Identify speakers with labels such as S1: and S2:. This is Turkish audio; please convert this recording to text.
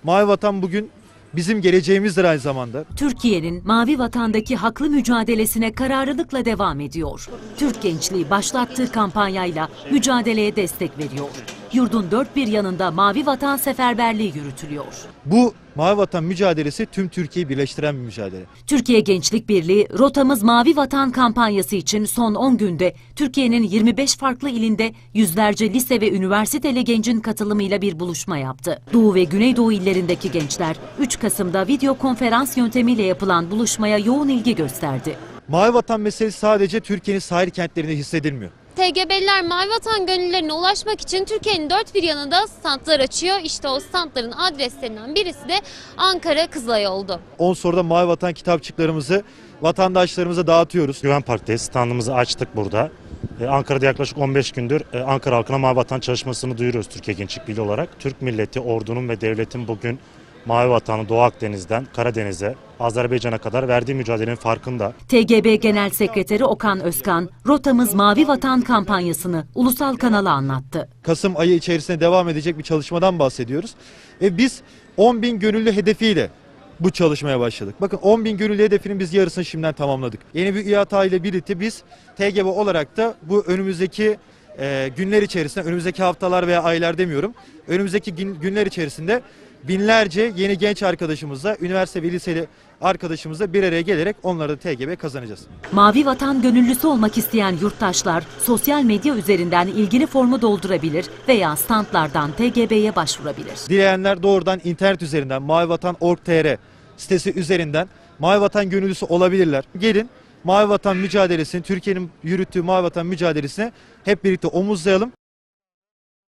S1: Mavi Vatan bugün bizim geleceğimizdir aynı zamanda.
S2: Türkiye'nin Mavi Vatan'daki haklı mücadelesine kararlılıkla devam ediyor. Türk gençliği başlattığı kampanyayla mücadeleye destek veriyor. Yurdun dört bir yanında Mavi Vatan seferberliği yürütülüyor.
S1: Bu Mavi Vatan mücadelesi tüm Türkiye'yi birleştiren bir mücadele.
S2: Türkiye Gençlik Birliği Rotamız Mavi Vatan kampanyası için son 10 günde Türkiye'nin 25 farklı ilinde yüzlerce lise ve üniversiteli gencin katılımıyla bir buluşma yaptı. Doğu ve Güneydoğu illerindeki gençler 3 Kasım'da video konferans yöntemiyle yapılan buluşmaya yoğun ilgi gösterdi.
S1: Mavi Vatan meselesi sadece Türkiye'nin sahil kentlerinde hissedilmiyor.
S3: TGB'liler Mavi Vatan gönüllülerine ulaşmak için Türkiye'nin dört bir yanında standlar açıyor. İşte o standların adreslerinden birisi de Ankara Kızılay oldu.
S1: 10 soruda Mavi Vatan kitapçıklarımızı vatandaşlarımıza dağıtıyoruz.
S4: Güven Park'tayız. Standımızı açtık burada. Ankara'da yaklaşık 15 gündür Ankara halkına Mavi Vatan çalışmasını duyuruyoruz Türkiye Gençlik Birliği olarak. Türk milleti, ordunun ve devletin bugün Mavi Vatan'ı Doğu Akdeniz'den Karadeniz'e, Azerbaycan'a kadar verdiği mücadelenin farkında.
S2: TGB Genel Sekreteri Okan Özkan, Rotamız Mavi Vatan kampanyasını ulusal kanala anlattı.
S1: Kasım ayı içerisinde devam edecek bir çalışmadan bahsediyoruz. Ve biz 10.000 gönüllü hedefiyle bu çalışmaya başladık. Bakın 10.000 gönüllü hedefinin biz yarısını şimdiden tamamladık. Yeni bir İHA ile birlikte biz TGB olarak da bu önümüzdeki günler içerisinde, önümüzdeki haftalar veya aylar demiyorum, önümüzdeki günler içerisinde binlerce yeni genç arkadaşımızla, üniversite ve liseli arkadaşımızla bir araya gelerek onları da TGB kazanacağız.
S2: Mavi Vatan gönüllüsü olmak isteyen yurttaşlar sosyal medya üzerinden ilgili formu doldurabilir veya standlardan TGB'ye başvurabilir.
S1: Dileyenler doğrudan internet üzerinden mavivatan.org.tr sitesi üzerinden Mavi Vatan gönüllüsü olabilirler. Gelin Mavi Vatan mücadelesini, Türkiye'nin yürüttüğü Mavi Vatan mücadelesine hep birlikte omuzlayalım.